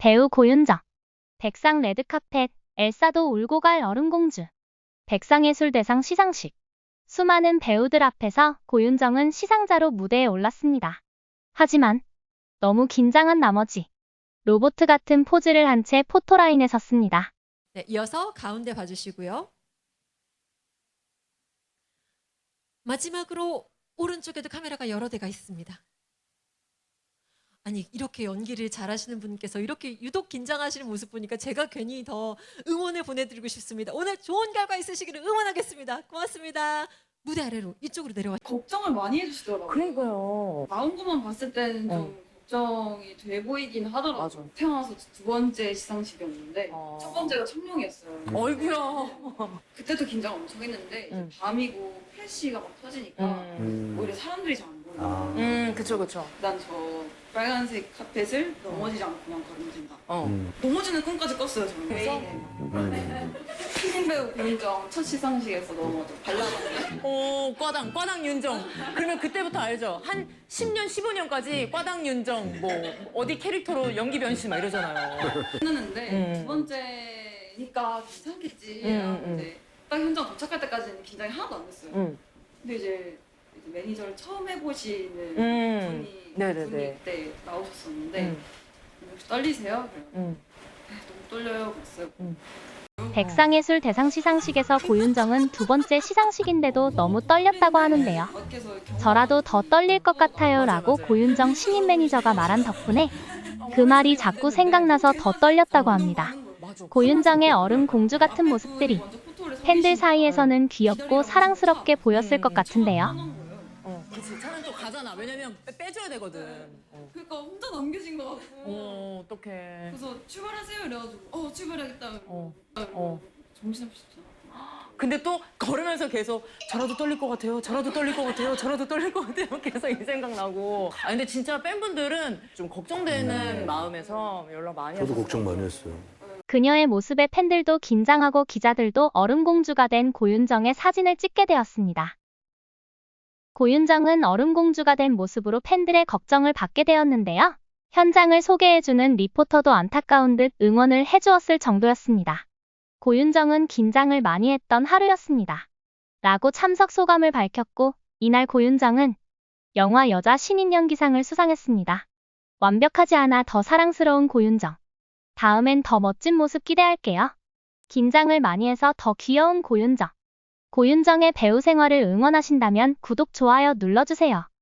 배우 고윤정. 백상 레드카펫, 엘사도 울고 갈 얼음공주. 백상예술대상 시상식. 수많은 배우들 앞에서 고윤정은 시상자로 무대에 올랐습니다. 하지만 너무 긴장한 나머지 로봇 같은 포즈를 한 채 포토라인에 섰습니다. 네, 이어서 가운데 봐주시고요. 마지막으로 오른쪽에도 카메라가 여러 대가 있습니다. 아니, 이렇게 연기를 잘하시는 분께서 이렇게 유독 긴장하시는 모습 보니까 제가 괜히 더 응원을 보내드리고 싶습니다. 오늘 좋은 결과 있으시기를 응원하겠습니다. 고맙습니다. 무대 아래로 이쪽으로 내려와. 걱정을 많이 해주시더라고요. 그러니까요. 나온 것만 봤을 때는 좀 걱정이 돼 보이긴 하더라고요. 맞아. 태어나서 두 번째 시상식이었는데 어. 첫 번째가 청룡이었어요. 어이구야. 그때도 긴장 엄청 했는데 이제 밤이고 플래시가 막 터지니까 오히려 사람들이 잘 안 보여요. 그쵸, 그쵸. 난 저 빨간색 카펫을 넘어지지 않고 그냥 걸어진다. 어. 넘어지는 꿈까지 꿨어요 저는. 그래서 신인 배우 고윤정 첫 시상식에서 넘어져 발라드. 오, 과당 윤정. 그러면 그때부터 알죠? 한 10년, 15년까지 과당 윤정, 뭐, 어디 캐릭터로 연기 변신 막 이러잖아요. 했는데 두 번째니까 괜찮겠지. 근데 딱 현장 도착할 때까지는 긴장이 하나도 안 됐어요. 근데 이제 매니저를 처음 해보시는 분이 네네네. 그때 나오셨었는데 혹시 떨리세요? 그래요. 너무 떨려요. 그랬어요. 백상예술대상 시상식에서 고윤정은 두 번째 시상식인데도 너무 떨렸다고 하는데요. 저라도 더 떨릴 것 같아요 라고 고윤정 신인 매니저가 말한 덕분에 그 말이 자꾸 생각나서 더 떨렸다고 합니다. 고윤정의 얼음 공주 같은 모습들이 팬들 사이에서는 귀엽고 사랑스럽게 보였을 것 같은데요. 그치. 차는 또 가잖아. 왜냐면 빼줘야 되거든. 그러니까 혼자 남겨진 것 같고. 어떡해. 그래서 출발하세요 이래가지고 출발하겠다. 정신없이 잖아. 근데 또 걸으면서 계속 저라도 떨릴 것 같아요. 저라도 떨릴 것 같아요. 저라도 떨릴 것 같아요. 계속 이 생각 나고. 아 근데 진짜 팬분들은 좀 걱정되는 마음에서 연락 많이 하셨어요. 저도 걱정 많이 했어요. 그녀의 모습에 팬들도 긴장하고 기자들도 얼음공주가 된 고윤정의 사진을 찍게 되었습니다. 고윤정은 얼음공주가 된 모습으로 팬들의 걱정을 받게 되었는데요. 현장을 소개해주는 리포터도 안타까운 듯 응원을 해주었을 정도였습니다. 고윤정은 긴장을 많이 했던 하루였습니다. 라고 참석 소감을 밝혔고 이날 고윤정은 영화 여자 신인 연기상을 수상했습니다. 완벽하지 않아 더 사랑스러운 고윤정. 다음엔 더 멋진 모습 기대할게요. 긴장을 많이 해서 더 귀여운 고윤정. 고윤정의 배우 생활을 응원하신다면 구독, 좋아요 눌러주세요.